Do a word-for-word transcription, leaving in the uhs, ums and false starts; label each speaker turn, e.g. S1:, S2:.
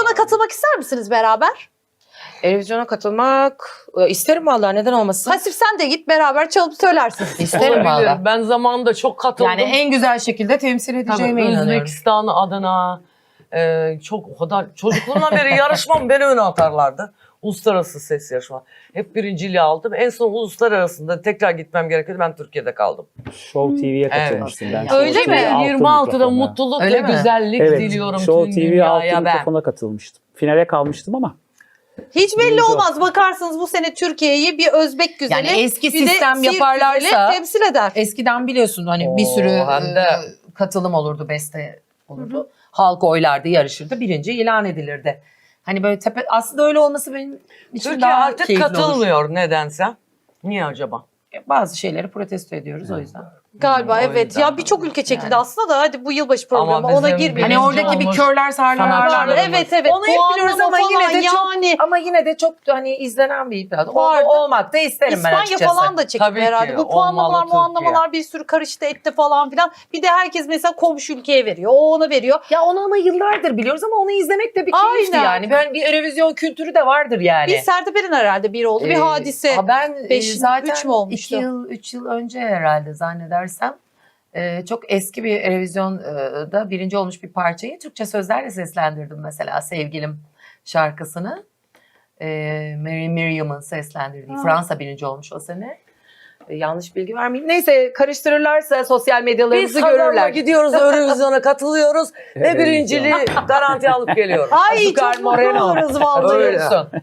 S1: Eurovision'a katılmak ister misiniz beraber?
S2: Eurovision'a katılmak e, isterim vallahi, neden olmasın?
S1: Hasif sen de git beraber çalıp söylersin.
S2: İsterim
S3: Olabilir.
S2: vallahi.
S3: Ben zamanında çok katıldım.
S2: Yani en güzel şekilde temsil
S3: Tabii,
S2: edeceğime inanıyorum.
S3: Özbekistan adına e, çok o kadar çocukluğumdan beri yarışmam beni öne atarlardı. Uluslararası ses yarışma. Hep birinciliği aldım. En son uluslararasında tekrar gitmem gerekiyordu. Ben Türkiye'de kaldım.
S4: Show T V'ye katılmıştım ben.
S1: Öyle
S4: Show
S1: mi?
S4: T V altı
S3: yirmi altıda
S4: mikrofona.
S3: mutluluk
S2: Öyle
S3: ve
S2: mi?
S3: güzellik
S4: Evet,
S3: diliyorum
S4: Show
S3: tüm
S4: T V altı
S3: dünyaya ben.
S4: mikrofona katılmıştım. Finale kalmıştım ama.
S1: Hiç belli
S4: Birinci
S1: olmaz. Bakarsınız bu sene Türkiye'yi bir Özbek güzeli,
S2: Yani eski
S1: bir de
S2: sistem
S1: Siirt
S2: yaparlarsa-
S1: güzeli temsil eder.
S2: Eskiden biliyorsun hani bir
S3: Oo,
S2: sürü
S3: hem de-
S2: e, katılım olurdu, beste olurdu. Halk oylardı, yarışırdı, birinci ilan edilirdi. Hani böyle tepe, aslında öyle olması benim için
S3: Türkiye
S2: daha
S3: artık
S2: keyifli olur.
S3: katılmıyor nedense. Niye acaba?
S2: Bazı şeyleri protesto ediyoruz o yüzden.
S1: Galiba
S3: Hmm, o
S1: evet.
S3: yüzden.
S1: Ya birçok ülke çekildi
S2: Yani.
S1: aslında da hadi bu yılbaşı
S3: Ama
S1: programı
S3: bizim
S1: ona girmeyelim.
S2: Hani
S3: Birinci
S2: oradaki bir
S3: olmuş
S2: körler sarlar
S3: sanatçılar.
S2: varlar.
S1: Evet evet.
S2: Onu hep biliyoruz
S1: Puanlama
S2: ama yine de
S1: falan
S2: çok
S1: yani.
S2: ama yine de çok hani izlenen bir iddia.
S1: Vardı.
S2: O, olmak da isterim ben
S1: İspanya
S2: açıkçası.
S1: falan da çekildi
S3: Tabii ki,
S1: herhalde. Bu puanlamalar
S3: olmalı Türkiye.
S1: muanlamalar bir sürü karıştı etti falan filan. Bir de herkes mesela komşu ülkeye veriyor. O ona veriyor.
S2: Ya onu ama yıllardır biliyoruz ama onu izlemek de bir keyifti
S1: Aynen.
S2: yani. Ben bir Eurovision kültürü de vardır yani.
S1: Bir Sertab herhalde bir oldu. Bir
S2: Ee,
S1: hadise.
S2: ha ben e,
S1: Beş-
S2: zaten
S1: üç mü olmuştu?
S2: iki yıl, üç yıl önce herhalde zannedersem e, çok eski bir Eurovision'da birinci olmuş bir parçayı Türkçe sözlerle seslendirdim mesela Sevgilim şarkısını. E, Mary Miriam'ın seslendirdiği.
S1: Ha.
S2: Fransa birinci olmuş o sene. E, yanlış bilgi vermeyeyim. Neyse karıştırırlarsa sosyal
S3: Biz
S2: medyalarımızı
S3: kazanma
S2: görürler.
S3: gidiyoruz Eurovision'a katılıyoruz ve
S4: Evet,
S3: birinciliği garanti alıp geliyoruz.
S1: Ay
S2: Azúcar
S1: çok mutlu
S2: Moreno.
S1: oluruz vallahi.
S3: Öyle.
S2: Olsun.